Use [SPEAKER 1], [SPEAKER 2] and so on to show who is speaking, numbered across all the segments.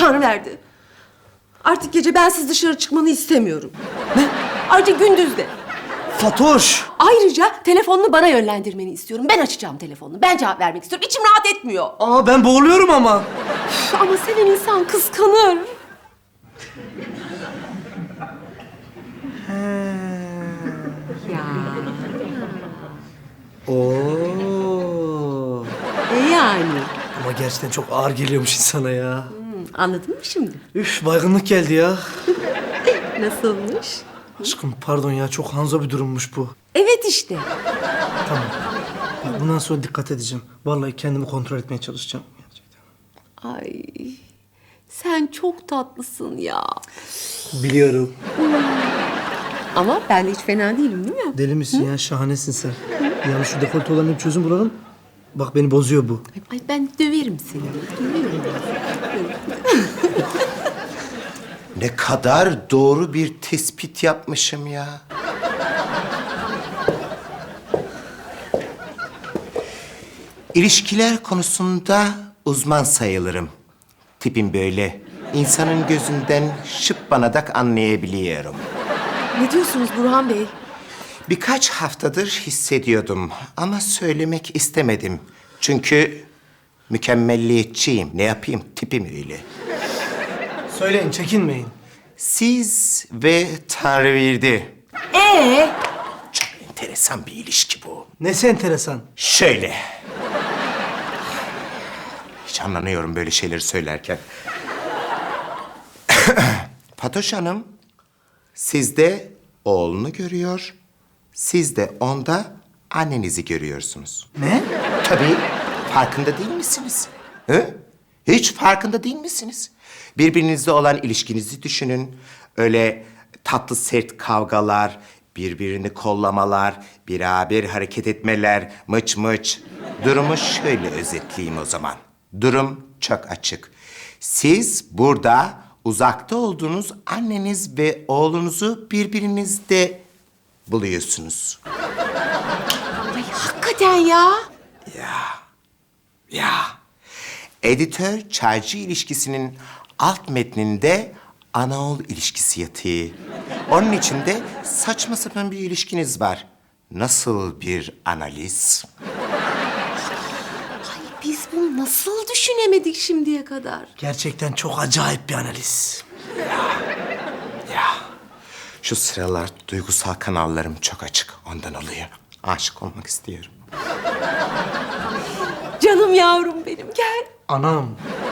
[SPEAKER 1] Tanrı verdi. Artık gece bensiz dışarı çıkmanı istemiyorum. Ne? Ayrıca gündüz de.
[SPEAKER 2] Fatoş!
[SPEAKER 1] Ayrıca telefonunu bana yönlendirmeni istiyorum. Ben açacağım telefonunu. Ben cevap vermek istiyorum. İçim rahat etmiyor.
[SPEAKER 2] Aa ben boğuluyorum ama.
[SPEAKER 1] Ama seven insan kıskanır. Ya.
[SPEAKER 2] Oo.
[SPEAKER 1] Yani.
[SPEAKER 2] Ama gerçekten çok ağır geliyormuş insana ya.
[SPEAKER 1] Anladın mı şimdi?
[SPEAKER 2] Üf baygınlık geldi ya.
[SPEAKER 1] Nasılmış?
[SPEAKER 2] Aşkım pardon ya çok hanzo bir durummuş bu.
[SPEAKER 1] Evet işte.
[SPEAKER 2] Tamam. Bak, bundan sonra dikkat edeceğim. Vallahi kendimi kontrol etmeye çalışacağım. Gerçekten.
[SPEAKER 1] Ay. Sen çok tatlısın ya.
[SPEAKER 2] Biliyorum.
[SPEAKER 1] Ama ben de hiç fena değilim değil mi?
[SPEAKER 2] Deli misin ya? Şahanesin sen. Yani şu dekolte olanın bir çözüm bulalım. Bak beni bozuyor bu.
[SPEAKER 1] Ay ben döverim seni. Döverim.
[SPEAKER 3] Ne kadar doğru bir tespit yapmışım ya. İlişkiler konusunda uzman sayılırım. Tipim böyle. İnsanın gözünden şıppanadak anlayabiliyorum.
[SPEAKER 1] Ne diyorsunuz Burhan Bey?
[SPEAKER 3] Birkaç haftadır hissediyordum ama söylemek istemedim. Çünkü mükemmelliyetçiyim. Ne yapayım? Tipim öyle.
[SPEAKER 2] Söyleyin çekinmeyin.
[SPEAKER 3] Siz ve Tanrıverdi. Çok enteresan bir ilişki bu.
[SPEAKER 2] Nesi enteresan?
[SPEAKER 3] Şöyle. Hiç anlanıyorum böyle şeyleri söylerken. Fatoş Hanım, sizde oğlunu görüyor, siz de onda annenizi görüyorsunuz.
[SPEAKER 2] Ne?
[SPEAKER 3] Tabii, farkında değil misiniz? Hı? Hiç farkında değil misiniz? Birbirinizle olan ilişkinizi düşünün. Öyle tatlı sert kavgalar, birbirini kollamalar, beraber hareket etmeler, mıç mıç. Durumu şöyle özetleyeyim o zaman. Durum çok açık. Siz burada uzakta olduğunuz anneniz ve oğlunuzu birbirinizde buluyorsunuz.
[SPEAKER 1] Ay hakikaten ya.
[SPEAKER 3] Ya. Editör çaycı ilişkisinin alt metninde ana oğul ilişkisi yatıyor. Onun içinde saçma sapan bir ilişkiniz var. Nasıl bir analiz?
[SPEAKER 1] Ay biz bunu nasıl düşünemedik şimdiye kadar?
[SPEAKER 2] Gerçekten çok acayip bir analiz.
[SPEAKER 3] Ya. Şu sıralar duygusal kanallarım çok açık. Ondan oluyor. Aşık olmak istiyorum.
[SPEAKER 1] Canım yavrum benim gel.
[SPEAKER 2] Anam.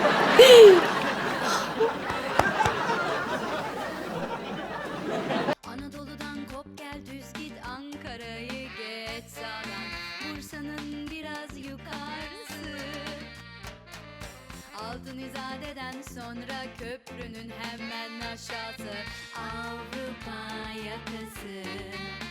[SPEAKER 4] Anadolu'dan kop gel düz git Ankara'yı geç sağdan Bursa'nın biraz yukarısı Altın İzade'den sonra köprünün hemen aşağısı Avrupa yakası